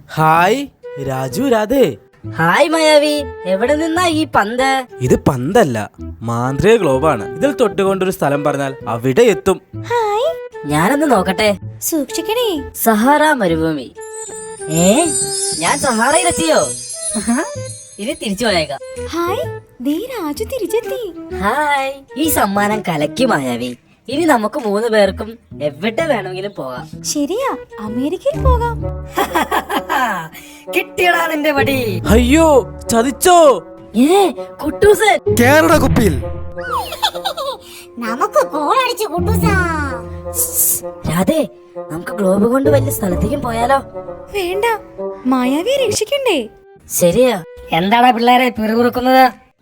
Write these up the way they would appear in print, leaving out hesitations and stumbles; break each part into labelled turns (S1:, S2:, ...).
S1: Hi Raju Radhe.
S2: Hi Mayavi, എവിടെ നിന്നാ ഈ പന്ത്?
S1: ഇത് പന്തല്ല, മാന്ത്രിക ഗ്ലോബാണ്. ഇതിൽ തൊട്ടുകൊണ്ടൊരു സ്ഥലം പറഞ്ഞാൽ അവിടെ എത്തും.
S3: ഹായ്,
S2: ഞാനൊന്ന് നോക്കട്ടെ.
S3: സൂക്ഷിക്കണേ.
S2: സഹാറ മരുഭൂമി. ഞാൻ സഹാറയിലെത്തിയോ? ഇനി തിരിച്ചു പോയേക്കാം.
S3: ഹായ്, ദേ രാജു തിരിച്ചെത്തി.
S2: ഹായ്, ഈ സമ്മാനം കലക്കി മായാവി. ഇനി നമുക്ക് 3 പേർക്കും എവിടെ വേണമെങ്കിലും പോകാം.
S3: ശരിയാ, അമേരിക്കയിൽ പോകാം.
S2: കിട്ടിയടാ നിന്റെ പടി.
S1: അയ്യോ, ചതിച്ചോ?
S2: കുട്ടൂസൻ
S4: കേരള കുപ്പിയിൽ
S5: നമുക്ക് കോളടിച്ചു കുട്ടൂസാ.
S2: രാധേ, നമുക്ക് ഗ്ലോബ് കൊണ്ട് വലിയ സ്ഥലത്തേക്കും പോയാലോ?
S3: വേണ്ട, മായാവിയെ രക്ഷിക്കണ്ടേ.
S2: ശരിയാ. എന്താടാ പിള്ളേരെ പിറുപിറുക്കുന്നത്?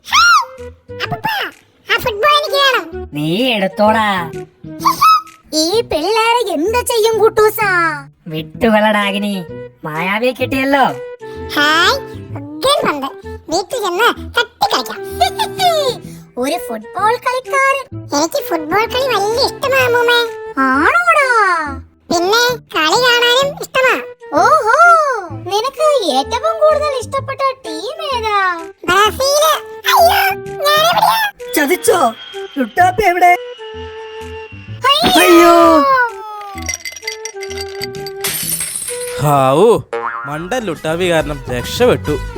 S2: നീ എടുത്തോടാ.
S5: ഈ പിള്ളേരെ എന്താ ചെയ്യും കുട്ടൂസാ?
S2: വിട്ടുകളടാകിനി, മായാവിയെ കിട്ടിയല്ലോ.
S5: ഹായ്, വീട്ടിൽ ചെന്ന് തട്ടിക്കളിക്കാം. ഒരു ഫുട്ബോൾ കളിക്കാരൻ. എനിക്ക് ഫുട്ബോൾ കളി വലിയ ഇഷ്ടമാണ്. ആണോടാ? പിന്നെ കളി കാണാനും ഇഷ്ടമാ. ഓഹോ, നിനക്ക് ഏറ്റവും കൂടുതൽ ഇഷ്ടപ്പെട്ട ടീം ഏതാ? ബ്രസീൽ. അയ്യോ, ഞാനെവിടെയാ?
S2: ചതിച്ചോ? ലുട്ടാപ്പി എവിടെ?
S5: അയ്യോ,
S1: ഹാവൂ, മണ്ടൻ ലുട്ടാവി കാരണം രക്ഷപ്പെട്ടു.